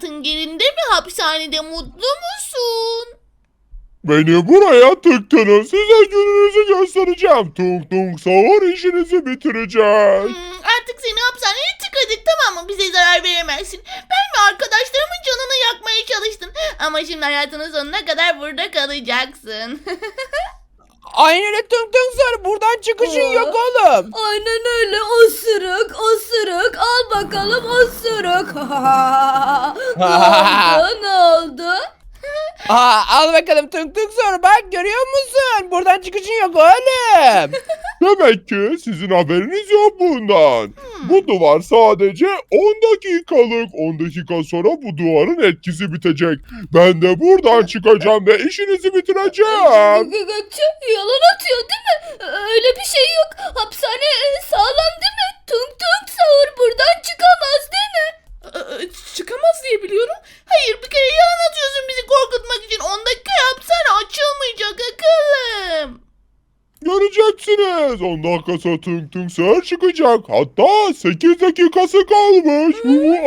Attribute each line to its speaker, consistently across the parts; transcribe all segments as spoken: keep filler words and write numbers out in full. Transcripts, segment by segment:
Speaker 1: hayatın yerinde mi? Hapishanede mutlu musun?
Speaker 2: Beni buraya tıktınız. Size gününüzü göstereceğim. Tung tung sahur işinizi bitireceğiz.
Speaker 1: Hmm, artık seni hapishaneye tıkadık, tamam mı? Bize zarar veremezsin. Ben ve arkadaşlarımın canını yakmaya çalıştın. Ama şimdi hayatının sonuna kadar burada kalacaksın.
Speaker 3: Aynen öyle tung tung sor. Buradan çıkışın
Speaker 4: Aa.
Speaker 3: yok oğlum.
Speaker 4: Aynen öyle, osuruk osuruk, al bakalım osuruk. Ne oldu, ne oldu?
Speaker 3: Aa, al bakalım tung tung sor. Bak görüyor musun? Buradan çıkışın yok oğlum.
Speaker 2: Demek ki sizin haberiniz yok bundan.
Speaker 1: Hmm.
Speaker 2: Bu duvar sadece on dakikalık. on dakika sonra bu duvarın etkisi bitecek. Ben de buradan çıkacağım ve işinizi bitireceğim.
Speaker 4: Gö- Gökçe yalan atıyor değil mi? Öyle bir şey yok. Hapishane e, sağlam değil mi? Tung tung sahur buradan çıkamaz değil mi?
Speaker 1: Ee, Çıkamaz diye biliyorum. Hayır, bir kere yalan atıyorsun bizi korkutmak için. on dakika hapishane açılmayacak akıllım.
Speaker 2: Göreceksiniz. on dakika sonra tung tung sahur çıkacak. Hatta sekiz dakikası kalmış.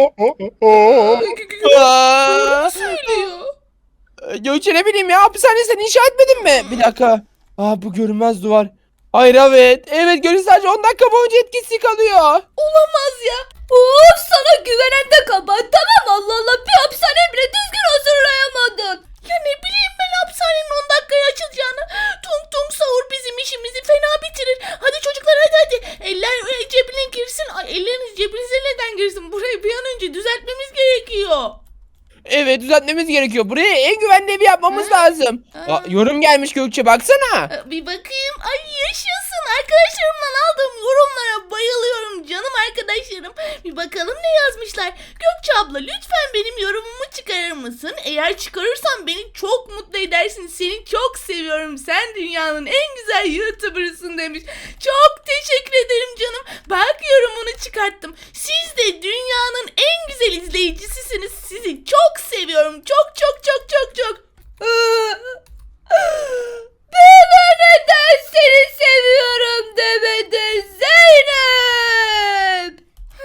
Speaker 3: Aa,
Speaker 1: Söylüyor.
Speaker 3: Gökçe ne bileyim ya, hapishane sen inşa etmedin mi? Bir dakika. Aa, bu görünmez duvar. Hayır evet. Evet görün, sadece on dakika boyunca etkisi kalıyor.
Speaker 4: Olamaz ya. Of, sana güvenen de kabahat, tamam mı? Allah Allah, bir hapishane bile düzgün hazırlayamadın.
Speaker 1: Ya ne bileyim ben hapishanenin on dakikaya açılacağını. Tung tung sahur bizim işimizi fena bitirir. Hadi çocuklar, hadi hadi. Eller e, cebine girsin. Ay, elleriniz cebinize neden girsin? Burayı bir an önce düzeltmemiz gerekiyor.
Speaker 3: Evet, düzeltmemiz gerekiyor. Buraya en güvenli evi yapmamız lazım.
Speaker 1: Aa.
Speaker 3: Aa, yorum gelmiş Gökçe, baksana.
Speaker 1: Ee, Bir bakayım. Ay yaşasın. Arkadaşlarımdan aldığım yorumlara bayılıyorum canım arkadaşlarım. Bir bakalım ne yazmışlar. Gökçe abla, lütfen benim yorumumu çıkarır mısın? Eğer çıkarırsan beni çok mutlu edersin. Seni çok seviyorum. Sen dünyanın en güzel YouTuber'ısın demiş. Çok teşekkür ederim canım. Bak, yorumunu çıkarttım. Siz de dünyanın en güzel izleyicisisiniz. Sizi çok seviyorum. Çok çok çok çok çok.
Speaker 4: Bana neden seni seviyorum demedin Zeynep?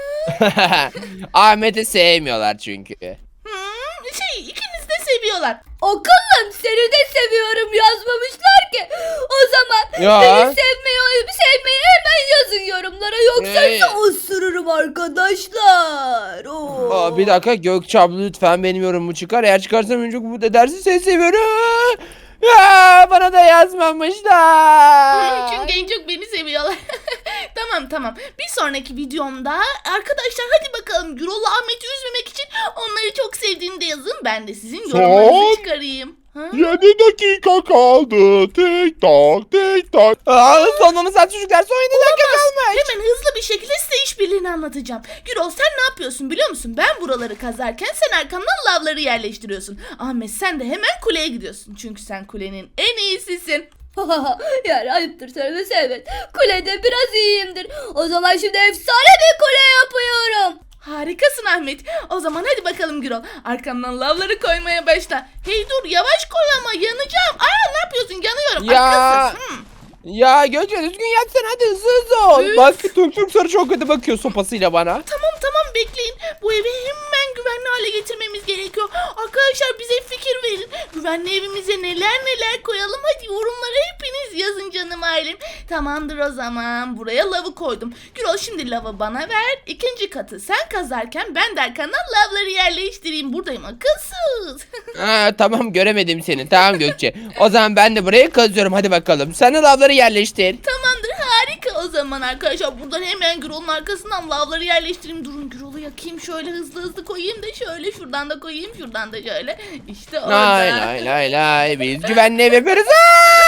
Speaker 3: Ahmet'i sevmiyorlar çünkü.
Speaker 1: Hmm, şey ikiniz de seviyorlar.
Speaker 4: Akıllım, seni de seviyorum yazmamışlar ki. O zaman
Speaker 3: Ya.
Speaker 4: beni sevmeyi, sevmeyi hemen yazın yorumlara, yoksa
Speaker 3: Ee.
Speaker 4: sizi osururum arkadaşlar. Oo.
Speaker 3: Aa, bir dakika Gökçe abla, lütfen benim yorumumu çıkar. Eğer çıkarsam önce bu edersin, seni seviyorum. Ya, bana da yazmamışlar.
Speaker 1: Çünkü en çok beni seviyorlar. Tamam tamam. Bir sonraki videomda arkadaşlar hadi bakalım, Gürol'la Ahmet'i üzmemek için onları çok sevdiğini de yazın. Ben de sizin yorumlarınızı
Speaker 2: Son.
Speaker 1: çıkarayım. Ha?
Speaker 2: yedi dakika kaldı. Tik tak tik tak.
Speaker 3: Aa, sonmamız saat çocuklar, son yedi dakika kalmış.
Speaker 1: Hemen hızlı bir şekilde size işbirliğini anlatacağım. Gürol, sen ne yapıyorsun biliyor musun? Ben buraları kazarken sen arkamdan lavları yerleştiriyorsun. Ahmet, sen de hemen kuleye gidiyorsun. Çünkü sen kulenin en iyisisin.
Speaker 4: Yani ayıptır söylemesi, evet. Kulede biraz iyiyimdir. O zaman şimdi efsane bir kule yapıyorum.
Speaker 1: Harikasın Ahmet. O zaman hadi bakalım Gürol. Arkamdan lavları koymaya başla. Hey dur, yavaş koy ama yanacağım. Aa, ne yapıyorsun? Yanıyorum.
Speaker 3: Ya.
Speaker 1: Akılsız. Hmm.
Speaker 3: Ya Gökçe, düzgün yatsana, hadi hızlı hızlı ol.
Speaker 1: Üf.
Speaker 3: Bak tung tung sarı çok kötü bakıyor sopasıyla bana.
Speaker 1: Tamam tamam, bekleyin. Bu evi hemen güvenli hale getirmemiz gerekiyor. Arkadaşlar, bize fikir verin. Güvenli evimize neler neler koyalım. Hadi yorumlara hepiniz yazın canım ailem. Tamamdır o zaman. Buraya lavı koydum. Gürol, şimdi lavı bana ver. İkinci katı sen kazarken ben de arkandan lavları yerleştireyim. Buradayım akılsız.
Speaker 3: Ha, tamam, göremedim seni. Tamam Gökçe. O zaman ben de buraya kazıyorum, hadi bakalım. Sen de lavları yerleştir.
Speaker 1: Tamamdır, harika o zaman arkadaşlar. Buradan hemen Gürol'un arkasından lavları yerleştireyim. Durun, Gürol'u yakayım, şöyle hızlı hızlı koyayım da şöyle şuradan da koyayım, şuradan da şöyle. İşte orada.
Speaker 3: Lay lay lay lay, biz güvenli ev yapıyoruz. Aa!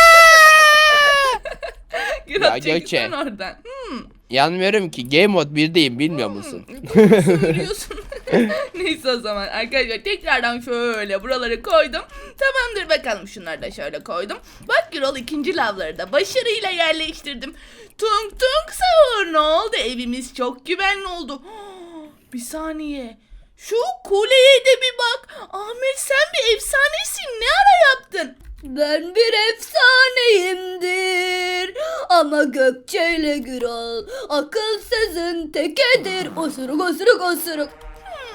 Speaker 1: Gürol,
Speaker 3: Ya
Speaker 1: çekil
Speaker 3: Gökçe.
Speaker 1: sen oradan. Hmm.
Speaker 3: Yanmıyorum ki, game mode birdeyim, bilmiyor musun?
Speaker 1: Doğru söylüyorsun. Neyse o zaman arkadaşlar, tekrardan şöyle buraları koydum. Tamamdır bakalım, şunları da şöyle koydum. Bak Gürol, ikinci lavları da başarıyla yerleştirdim. Tung tung sahur, ne oldu? Evimiz çok güvenli oldu. Bir saniye. Şu kuleye de bir bak. Ahmet, sen bir efsanesin. Ne ara yaptın?
Speaker 4: Ben bir efsaneyimdir. Ama Gökçe ile Gürol akılsızın tekedir. Osuruk osuruk osuruk.
Speaker 1: Hmm, aman ne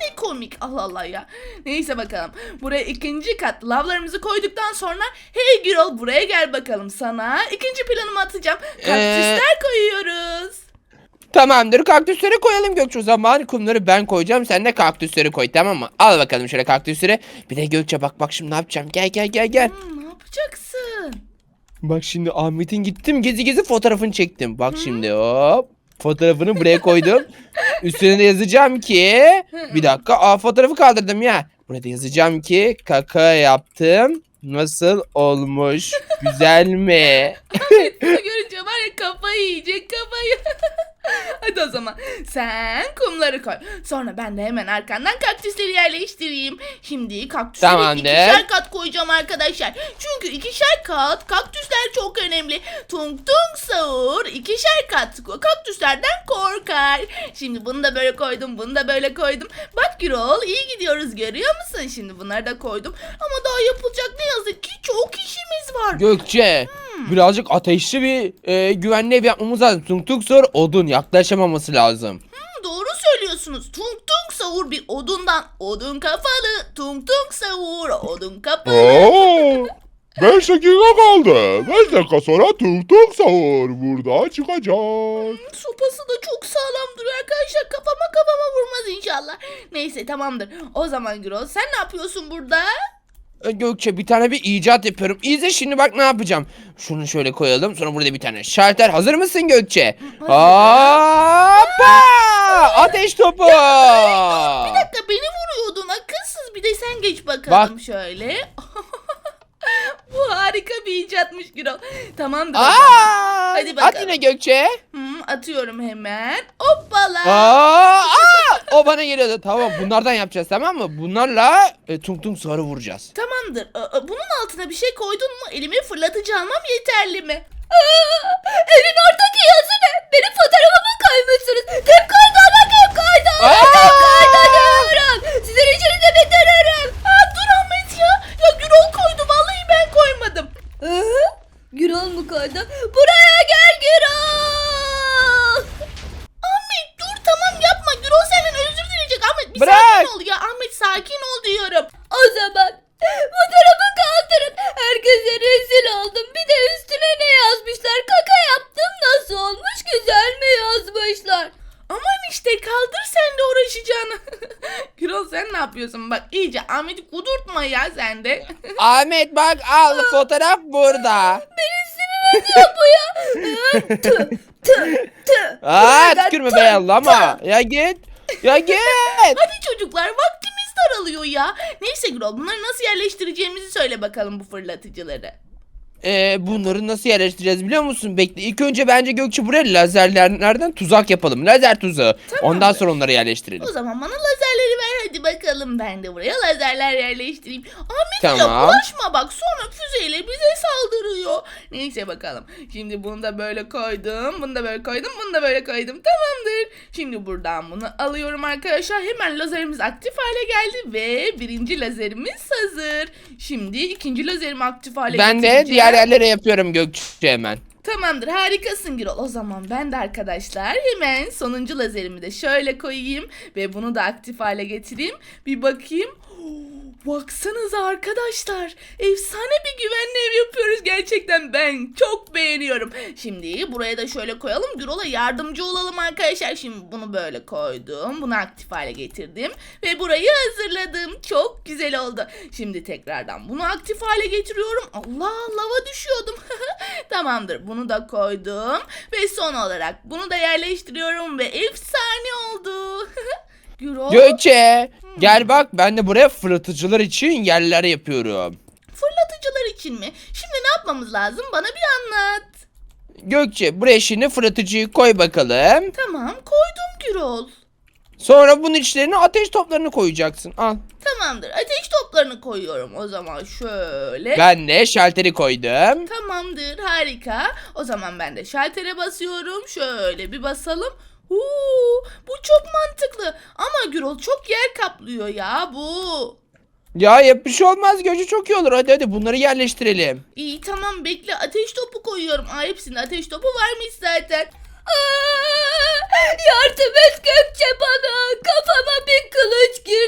Speaker 1: ne komik. Allah Allah ya. Neyse bakalım. Buraya ikinci kat lavlarımızı koyduktan sonra hey Gürol buraya gel bakalım. Sana ikinci planımı atacağım. Kaktüsler koyuyoruz.
Speaker 3: Tamamdır, kaktüsleri koyalım Gökçe, o zaman kumları ben koyacağım, sen de kaktüsleri koy, tamam mı? Al bakalım şöyle kaktüsleri. Bir de Gökçe bak bak şimdi ne yapacağım, gel gel gel gel.
Speaker 1: Hmm, ne yapacaksın?
Speaker 3: Bak şimdi Ahmet'in gittim gezi gezi fotoğrafını çektim. Bak şimdi hop fotoğrafını buraya koydum. Üstüne de yazacağım ki bir dakika, aa fotoğrafı kaldırdım ya. Burada yazacağım ki kaka yaptım. Nasıl olmuş? Güzel mi?
Speaker 1: Bunu görünce var ya kafayı yiyecek kafayı. Hadi o zaman sen kumları koy. Sonra ben de hemen arkandan kaktüsleri yerleştireyim. Şimdi kaktüsleri
Speaker 3: Tamamdır.
Speaker 1: ikişer kat koyacağım arkadaşlar. Çünkü ikişer kat kaktüsler çok önemli. Tung tung sahur ikişer kat kaktüslerden korkar. Şimdi bunu da böyle koydum, bunu da böyle koydum. Bak Gürol iyi gidiyoruz görüyor musun? Şimdi bunları da koydum. Ama daha yapılacak ne yazık ki çok işimiz var.
Speaker 3: Gökçe birazcık ateşli bir e, güvenli ev yapmamız lazım. Tung tung sor odun yaklaşamaması lazım.
Speaker 1: Hmm, doğru söylüyorsunuz. Tung tung sahur bir odundan. Odun kafalı. Tung tung sahur odun kafalı.
Speaker 2: Oo, beş dakika kaldı. beş dakika sonra tuk tuk sahur burada çıkacak.
Speaker 1: Sopası da çok sağlam duruyor arkadaşlar. Kafama kafama vurmaz inşallah. Neyse tamamdır. O zaman Gürol sen ne yapıyorsun burada?
Speaker 3: E, Gökçe bir tane bir icat yapıyorum. İzle şimdi bak ne yapacağım. Şunu şöyle koyalım. Sonra burada bir tane şalter. Hazır mısın Gökçe? Hoppa! Ateş topu.
Speaker 1: Bir dakika beni vuruyordun akılsız. Bir de sen geç bakalım
Speaker 3: Bak.
Speaker 1: şöyle. Bu harika bir icatmış Gürol. Tamamdır. o
Speaker 3: Aa!
Speaker 1: zaman. Hadi bakalım.
Speaker 3: At yine Gökçe.
Speaker 1: Hmm, atıyorum hemen. Hoppala.
Speaker 3: Aa! Aa! O bana geliyordu. Tamam bunlardan yapacağız tamam mı? Bunlarla e, tung tung sarı vuracağız.
Speaker 1: Tamamdır. Aa, bunun altına bir şey koydun mu? Elime fırlatıcı almam yeterli mi?
Speaker 4: Aa, evin oradaki yazı ne? Benim fotoğrafımı koymuşsunuz. Kim koydu ama kim koydu? Kim koydu diyorum. Sizin işinizi bitiririm.
Speaker 1: Aa, dur Ahmet ya. Ya Gürol koydu. Vallahi ben koymadım.
Speaker 4: Ee, Gürol mu koydu? Buraya gel Gürol.
Speaker 1: Ahmet dur tamam yapma. Gürol senden özür dileyecek. Ahmet bir
Speaker 3: Bırak.
Speaker 1: sakin ol ya. Ahmet sakin ol diyorum.
Speaker 4: O zaman fotoğrafı kaldırın. Herkese rezil oldum. Bir de üstüne ne yazmışlar? Kaka yaptım nasıl olmuş? Güzel mi yazmışlar?
Speaker 1: Aman işte kaldır sen de uğraşacağını. Gürol sen ne yapıyorsun? Bak iyice Ahmet'i kudurtma ya sen de.
Speaker 3: Ahmet bak al fotoğraf burada.
Speaker 4: Ya bu ya. Ee, tüh tüh tüh.
Speaker 3: Aa
Speaker 4: Buradan
Speaker 3: tükürme
Speaker 4: tüh,
Speaker 3: be Allah'ıma. Ya git. Ya git.
Speaker 1: Hadi çocuklar vaktimiz daralıyor ya. Neyse Gürol bunları nasıl yerleştireceğimizi söyle bakalım bu fırlatıcıları.
Speaker 3: Ee, bunları nasıl yerleştireceğiz biliyor musun? Bekle ilk önce bence Gökçe buraya lazerlerden tuzak yapalım. Lazer tuzağı. Ondan sonra onları yerleştirelim.
Speaker 1: O zaman bana lazerleri ver hadi bakalım. Ben de buraya lazerler yerleştireyim. Ahmet ya
Speaker 3: Tamam.
Speaker 1: bulaşma bak sonra füzeyle bize saldırıyor. Neyse bakalım. Şimdi bunu da böyle koydum. Bunu da böyle koydum. Bunu da böyle koydum. Tamamdır. Şimdi buradan bunu alıyorum arkadaşlar. Hemen lazerimiz aktif hale geldi. Ve birinci lazerimiz hazır. Şimdi ikinci lazerimi aktif hale
Speaker 3: Ben de
Speaker 1: getireceğim.
Speaker 3: diğer yerlere yapıyorum Gökçe hemen.
Speaker 1: Tamamdır harikasın Gürol. O zaman ben de arkadaşlar hemen sonuncu lazerimi de şöyle koyayım. Ve bunu da aktif hale getireyim. Bir bakayım. Baksanıza arkadaşlar. Efsane bir güvenli ev yapıyoruz gerçekten. Ben çok beğeniyorum. Şimdi buraya da şöyle koyalım. Gürol'a yardımcı olalım arkadaşlar. Şimdi bunu böyle koydum. Bunu aktif hale getirdim. Ve burayı hazırladım. Çok güzel oldu. Şimdi tekrardan bunu aktif hale getiriyorum. Allah lava düşüyordum. Tamamdır. Bunu da koydum. Ve son olarak bunu da yerleştiriyorum. Ve efsane oldu. Gürol.
Speaker 3: Gökçe gel bak ben de buraya fırlatıcılar için yerler yapıyorum.
Speaker 1: Fırlatıcılar için mi? Şimdi ne yapmamız lazım? Bana bir anlat.
Speaker 3: Gökçe buraya şimdi fırlatıcıyı koy bakalım.
Speaker 1: Tamam koydum Gürol.
Speaker 3: Sonra bunun içlerine ateş toplarını koyacaksın. Al.
Speaker 1: Tamamdır. Ateş toplarını koyuyorum. O zaman şöyle.
Speaker 3: Ben de şalteri koydum.
Speaker 1: Tamamdır. Harika. O zaman ben de şaltere basıyorum. Şöyle bir basalım. Huu, bu çok mantıklı. Ama Gürol çok yer kaplıyor ya bu.
Speaker 3: Ya yap bir şey olmaz Gökçe çok iyi olur. Hadi hadi bunları yerleştirelim.
Speaker 1: İyi tamam bekle. Ateş topu koyuyorum. Aa, hepsinde ateş topu varmış zaten.
Speaker 4: Aa, yardım et Gökçe bana. Kafama bir kılıç girdi.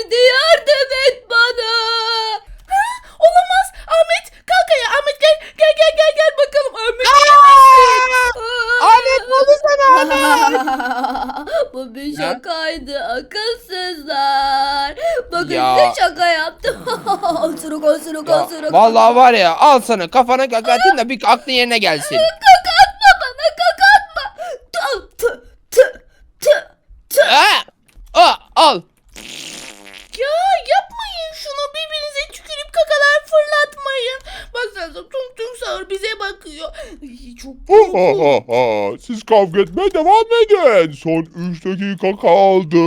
Speaker 4: şakaydı akılsızlar. Bakın
Speaker 3: Ya.
Speaker 4: size şaka yaptım. Osuruk osuruk
Speaker 3: Ya,
Speaker 4: osuruk.
Speaker 3: vallahi var ya, al sana kafana kaka atayım da bir aklın yerine gelsin.
Speaker 4: Kaka atma bana, kaka atma. Tı tı tı tı tı.
Speaker 3: Aa, aa, al.
Speaker 1: Ya yapmayın şunu, birbirinize tükürüp kakalar fırlatmayın. Baksanıza tung tung sağır bize bakıyor. Ay, çok
Speaker 2: Ha ha
Speaker 1: korkunç.
Speaker 2: ha ha. Siz kavga etmeye devam edin. Son üç dakika kaldı.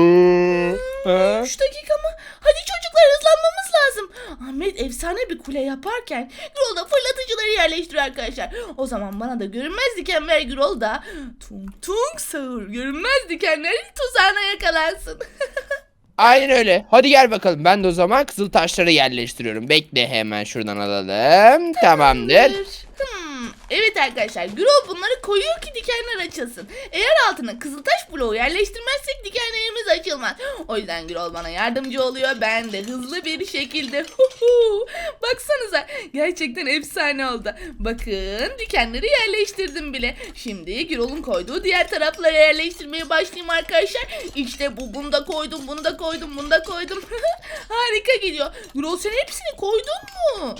Speaker 3: Ha?
Speaker 1: Üç dakika mı? Hadi çocuklar, hızlanmamız lazım. Ahmet efsane bir kule yaparken Gürol da fırlatıcıları yerleştiriyor arkadaşlar. O zaman bana da görünmez diken ver, Gürol da tung tung sağır görünmez dikenler tuzağına yakalansın.
Speaker 3: Aynen öyle. Hadi gel bakalım. Ben de o zaman kızıl taşları yerleştiriyorum. Bekle, hemen şuradan alalım. Tamamdır.
Speaker 1: Hmm, evet arkadaşlar, Gürol bunları koyuyor ki dikenler açılsın. Eğer altına kızıltaş bloğu yerleştirmezsek dikenlerimiz açılmaz. O yüzden Gürol bana yardımcı oluyor. Ben de hızlı bir şekilde. Huhu. Baksanıza, gerçekten efsane oldu. Bakın, dikenleri yerleştirdim bile. Şimdi Gürol'un koyduğu diğer taraflara yerleştirmeye başlayayım arkadaşlar. İşte bu, bunu da koydum, bunu da koydum, bunu da koydum. Harika gidiyor. Gürol, sen hepsini koydun mu?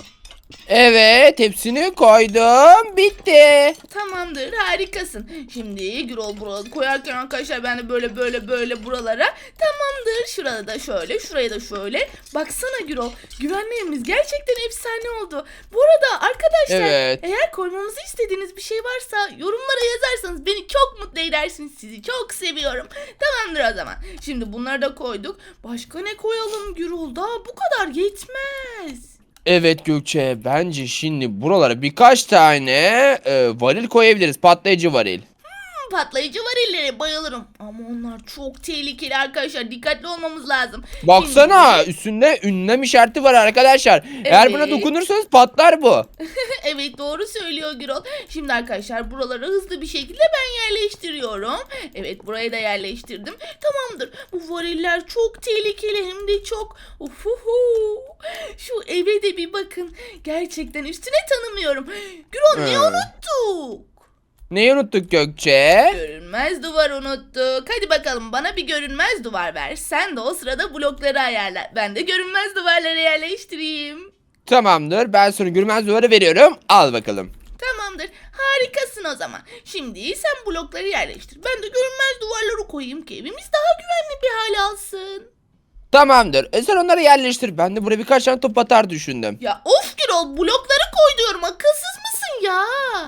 Speaker 3: Evet, hepsini koydum. Bitti.
Speaker 1: Tamamdır, harikasın. Şimdi Gürol buraları koyarken arkadaşlar ben de böyle böyle böyle buralara. Tamamdır, şurada da şöyle, şuraya da şöyle. Baksana Gürol, güvenli evimiz gerçekten efsane oldu. Bu arada arkadaşlar,
Speaker 3: Evet.
Speaker 1: eğer koymamızı istediğiniz bir şey varsa yorumlara yazarsanız beni çok mutlu edersiniz. Sizi çok seviyorum. Tamamdır o zaman. Şimdi bunları da koyduk. Başka ne koyalım Gürol? Daha bu kadar yetmez.
Speaker 3: Evet Gökçe, bence şimdi buralara birkaç tane e, varil koyabiliriz. Patlayıcı varil.
Speaker 1: Patlayıcı varillere bayılırım. Ama onlar çok tehlikeli arkadaşlar. Dikkatli olmamız lazım.
Speaker 3: Baksana,
Speaker 1: Şimdi-
Speaker 3: üstünde ünlem işareti var arkadaşlar. Eğer buna
Speaker 1: Evet.
Speaker 3: dokunursanız patlar bu.
Speaker 1: Evet, doğru söylüyor Gürol. Şimdi arkadaşlar buraları hızlı bir şekilde ben yerleştiriyorum. Evet, burayı da yerleştirdim. Tamamdır. Bu variller çok tehlikeli, hem de çok. Uhuhu. Şu eve de bir bakın. Gerçekten üstüne tanımıyorum. Gürol, ne
Speaker 3: Hmm.
Speaker 1: unuttuk?
Speaker 3: Neyi unuttuk Gökçe?
Speaker 1: Görünmez duvar unuttuk. Hadi bakalım, bana bir görünmez duvar ver. Sen de o sırada blokları ayarla. Ben de görünmez duvarları yerleştireyim.
Speaker 3: Tamamdır, ben sana görünmez duvarı veriyorum. Al bakalım.
Speaker 1: Tamamdır. Harikasın o zaman. Şimdi sen blokları yerleştir. Ben de görünmez duvarları koyayım ki evimiz daha güvenli bir hale alsın.
Speaker 3: Tamamdır. E sen onları yerleştir. Ben de buraya birkaç tane top atar düşündüm.
Speaker 1: Ya of Gürol, blokları koy diyorum. Akılsız mısın ya?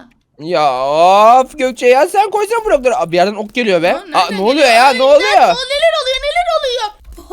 Speaker 3: Ya of Gökçe ya, sen koysana blokları. Aa, bir yerden ok geliyor be.
Speaker 1: Aa,
Speaker 3: Aa,
Speaker 1: nereden
Speaker 3: ne oluyor
Speaker 1: geliyor?
Speaker 3: ya,
Speaker 1: Ay,
Speaker 3: ne oluyor?
Speaker 1: neler oluyor, neler oluyor?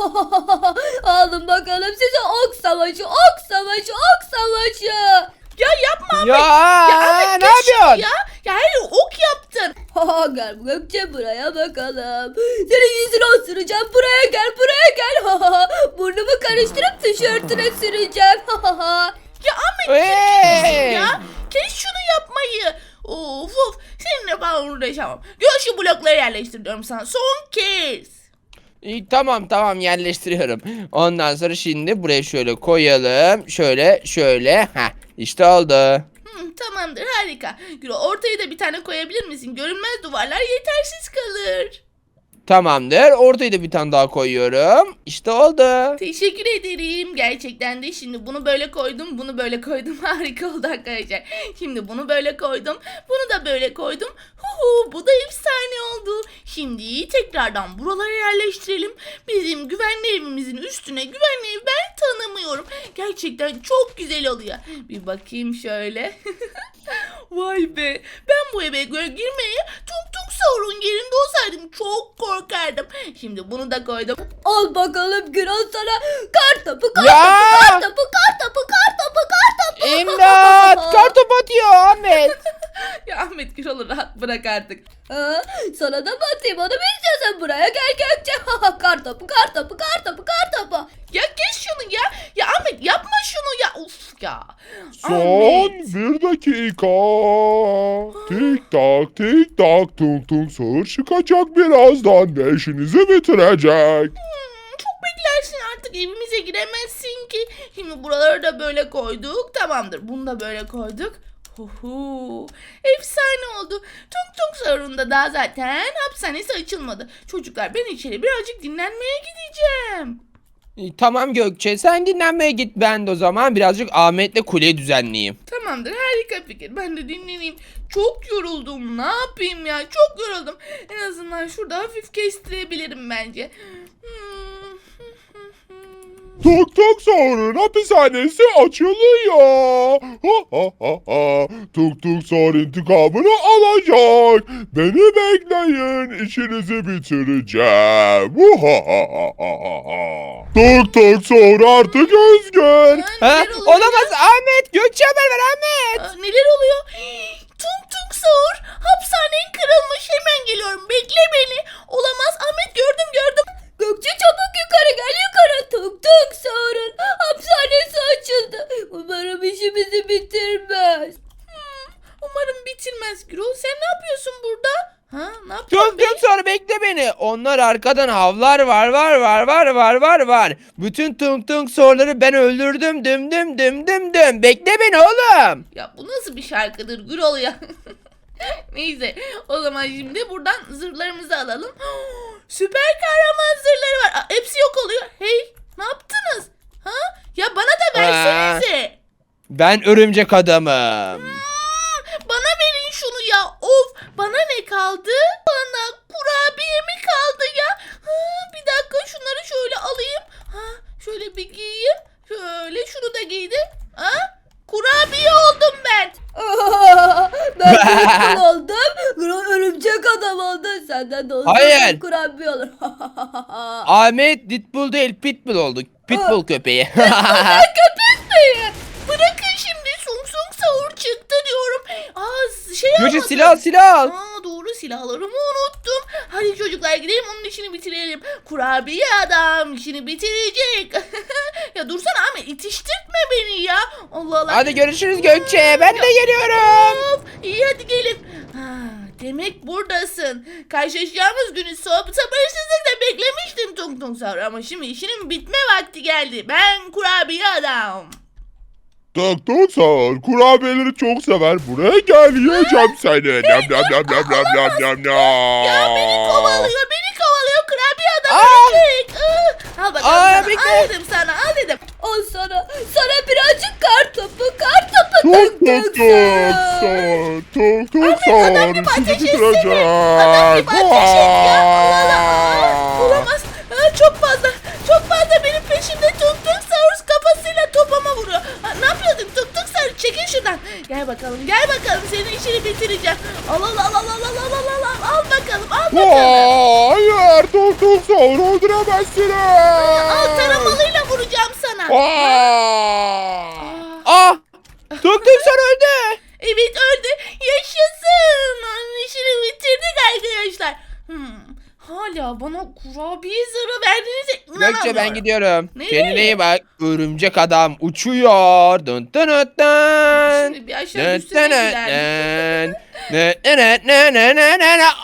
Speaker 4: Alın bakalım size ok savaşı, ok savaşı, ok savaşı.
Speaker 1: Ya yapma Ahmet.
Speaker 3: Ya,
Speaker 1: Ya Ahmet,
Speaker 3: ne
Speaker 1: geç şunu
Speaker 3: yapıyorsun?
Speaker 1: Ya, ya hayır, ok yaptın.
Speaker 4: Ha, gel Gökçe buraya bakalım. Senin yüzünü osuracağım. Buraya gel, buraya gel. Ha, ha, ha. Burnumu karıştırıp tişörtüne süreceğim. Ha, ha, ha.
Speaker 1: Ya Ahmet,
Speaker 3: Hey!
Speaker 1: ya kes şunu yapmayı. Of of, seninle ben uğraşamam. Gör şu blokları yerleştiriyorum sana son kez.
Speaker 3: İyi, tamam tamam, yerleştiriyorum. Ondan sonra şimdi buraya şöyle koyalım. Şöyle şöyle. Heh, işte oldu.
Speaker 1: Hmm, tamamdır, harika. Gürol, ortaya da bir tane koyabilir misin? Görünmez duvarlar yetersiz kalır.
Speaker 3: Tamamdır. Ortaya da bir tane daha koyuyorum. İşte oldu.
Speaker 1: Teşekkür ederim. Gerçekten de şimdi bunu böyle koydum, bunu böyle koydum. Harika oldu arkadaşlar. Şimdi bunu böyle koydum, bunu da böyle koydum. Huhu, bu da efsane oldu. Şimdi tekrardan buralara yerleştirelim. Bizim güvenli evimizin üstüne güvenli ev ben tanımıyorum. Gerçekten çok güzel oluyor. Bir bakayım şöyle. Vay be. Ben bu eve göre girmeye Tung Tung Saur'un yerinde olsaydım çok korkardım. Şimdi bunu da koydum.
Speaker 4: Al bakalım Gürol sana kar topu, kar
Speaker 3: Ya!
Speaker 4: topu, kar topu, kar topu, kar topu, kar topu.
Speaker 3: İmdat! Kartop atıyor Ahmet.
Speaker 1: Ya Ahmet, Gürol'u rahat bırak artık.
Speaker 4: Ha, sana da mı atayım, onu mu istiyorsan buraya gel Gökçe. Ha, ha, kar topu, kar topu, kar topu, kar topu.
Speaker 1: Ya kes şunu ya. Ya Ahmet, yapma şunu ya. Uf ya.
Speaker 2: Son
Speaker 1: Ahmet.
Speaker 2: bir dakika. Tik tak tik tak, tung tung sağır çıkacak birazdan ve işinizi bitirecek.
Speaker 1: Hmm, çok beklersin artık, evimize giremezsin ki. Şimdi buraları da böyle koyduk. Tamamdır. Bunu da böyle koyduk. Huhu. Efsane oldu. Tung Tung Sahur'unda daha zaten hapishanesi açılmadı. Çocuklar ben içeri birazcık dinlenmeye gideceğim.
Speaker 3: E, Tamam Gökçe, sen dinlenmeye git, ben de o zaman birazcık Ahmet'le kuleyi düzenleyeyim.
Speaker 1: Tamamdır, harika fikir. Ben de dinleneyim. Çok yoruldum. Ne yapayım ya? Çok yoruldum. En azından şurada hafif kestirebilirim bence. Hmm.
Speaker 2: Tuk Tuk Sahur'un hapishanesi açılıyor. Ha ha ha ha. Tuk Tuk Sahur intikamını alacak. Beni bekleyin, işinizi bitireceğim. Ha ha ha ha ha. Tuk Tuk Sahur artık özgür.
Speaker 1: Ha,
Speaker 3: Ha?
Speaker 1: neler oluyor
Speaker 3: Olamaz
Speaker 1: ya?
Speaker 3: Ahmet, Gökçe haber ver Ahmet.
Speaker 1: Aa, neler oluyor? Tung Tung Sahur, hapishanen kırılmış. Hemen geliyorum. Bekle beni. Olamaz. Ahmet, gördüm gördüm.
Speaker 4: Gökçe çabuk yukarı gel yukarı. Tuk tuk Sahur'un hapishanesi açıldı. Umarım işimizi bitirmez.
Speaker 1: Hmm, umarım bitirmez Gürol. Sen ne yapıyorsun burada? Ha, ne yapıyorsun
Speaker 3: Tuk
Speaker 1: be?
Speaker 3: tuk sonra bekle beni. Onlar arkadan havlar var var var var var var var. Bütün tung tung soruları ben öldürdüm dım dım dım dım dım. Bekle beni oğlum.
Speaker 1: Ya bu nasıl bir şarkıdır Gürol ya? Neyse, o zaman şimdi buradan zırhlarımızı alalım. Süper kahraman zırhları var. Aa, hepsi yok oluyor. Hey, ne yaptınız? Ha? Ya bana da versenize.
Speaker 3: Ben örümcek adamım.
Speaker 1: Hmm, bana verin şunu ya. Of, bana ne kaldı? Bana kurabiye mi kaldı ya? Ha, bir dakika, şunları şöyle alayım. Ha, şöyle bir giyeyim. Şöyle şunu da giydim. Ha? Kurabiye oldum ben.
Speaker 4: Ben Deadpool oldum. Örümcek adam oldun. Senden de olsun.
Speaker 3: Hayır.
Speaker 4: Kurabiye olur.
Speaker 3: Ahmet Deadpool değil Pitbull oldu. Pitbull köpeği.
Speaker 1: Köpek mi? Bırakın şimdi, Sung Sung Sahur çıktı diyorum. Aa, şey
Speaker 3: Gökçe
Speaker 1: almadım.
Speaker 3: silah silah al.
Speaker 1: Aa, doğru, silahlarımı unuttum. Hadi çocuklar gidelim, onun işini bitirelim. Kurabiye adam işini bitirecek. Ya dursana Ahmet, itiştirtme beni ya. Allah Allah.
Speaker 3: Hadi görüşürüz Gökçe. Ben de geliyorum.
Speaker 1: Of, iyi hadi gelin. Ha, demek buradasın. Karşılaşacağımız günü soğuk sabırsızlıkla beklemiştim Tung Tung Sahur. Ama şimdi işinin bitme vakti geldi. Ben kurabiye adam.
Speaker 2: Tuk Tuk Sahur kurabiyeleri çok sever. Buraya gel, yiyeceğim seni. Nam nam nam nam nam nam nam nam.
Speaker 1: Ya beni kovalıyor, beni kovalıyor. Kurabiye adam
Speaker 3: Aa!
Speaker 1: ölecek. Aa, al bakalım
Speaker 3: Aa,
Speaker 1: sana.
Speaker 3: bekle.
Speaker 1: Al dedim sana, al dedim.
Speaker 4: Al sana. Sana birazcık kar topu. Kar topu.
Speaker 2: Tuk
Speaker 4: Tuk
Speaker 2: Tuk
Speaker 4: tuk
Speaker 2: Sahur. Tuk Tuk
Speaker 1: adam gibi
Speaker 2: Sahur işini
Speaker 1: ateş etsene.
Speaker 2: bitirecek.
Speaker 1: Adam gibi ateş et ya. Allah Allah. Aa, olamaz. Aa, çok fazla. Çok fazla benim peşimde. Tung Tung Sahur kafasıyla topama vuruyor. Aa, ne yapıyordun Tung Tung Sahur? Çekil şuradan. Gel bakalım. Gel bakalım. Senin işini bitireceğim. Al al al al al al al al al al. Al bakalım. Al bakalım.
Speaker 2: Hayır, Tuk Tuk Sahur öldüremezsiniz.
Speaker 1: Al, taramalıyla vuracağım sana.
Speaker 2: Aa!
Speaker 3: Ah! Tuk tuk sonra öldü.
Speaker 1: Evet, öldü. Yaşasın. Onun işini bitirdik arkadaşlar. Hmm. Hala bana kurabiye zarı verdiğinize inanamıyorum.
Speaker 3: Gökçe ben gidiyorum.
Speaker 1: Nereye?
Speaker 3: Kendine iyi bak. Örümcek adam uçuyor. Dın dın dın dın.
Speaker 1: Şimdi bir aşağı
Speaker 3: Dın
Speaker 1: düşsene
Speaker 3: dın
Speaker 1: giderdim.
Speaker 3: dın. Dın dın dın dın dın dın dın.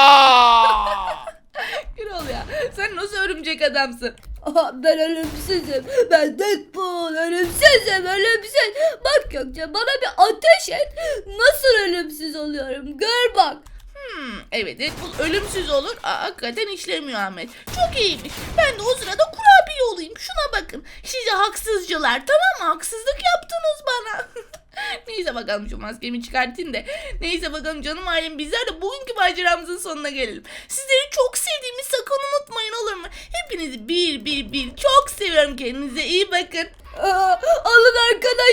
Speaker 3: Aa!
Speaker 1: Gürol ya, sen nasıl örümcek adamsın?
Speaker 4: Aha, ben ölümsüzüm. Ben Deadpool. Ölümsüzüm. Ölümsüz. Bak Gökçe bana bir ateş et. Nasıl ölümsüz oluyorum? Gör bak.
Speaker 1: Hmm, evet, Deadpool ölümsüz olur. Aa, hakikaten işlemiyor Ahmet. Çok iyiymiş. Ben de o sırada kurabiye olayım. Şuna bakın. Size haksızcılar, tamam mı? Haksızlık yaptınız bana. Neyse bakalım, şu maskemi çıkartayım da. Neyse bakalım canım ailem, bizler de bugünkü maceramızın sonuna gelelim. Sizleri çok sevdiğimi sakın unutmayın, olur mu? Hepinizi bir bir bir çok seviyorum. Kendinize iyi bakın.
Speaker 4: Aa, alın arkadaşlar.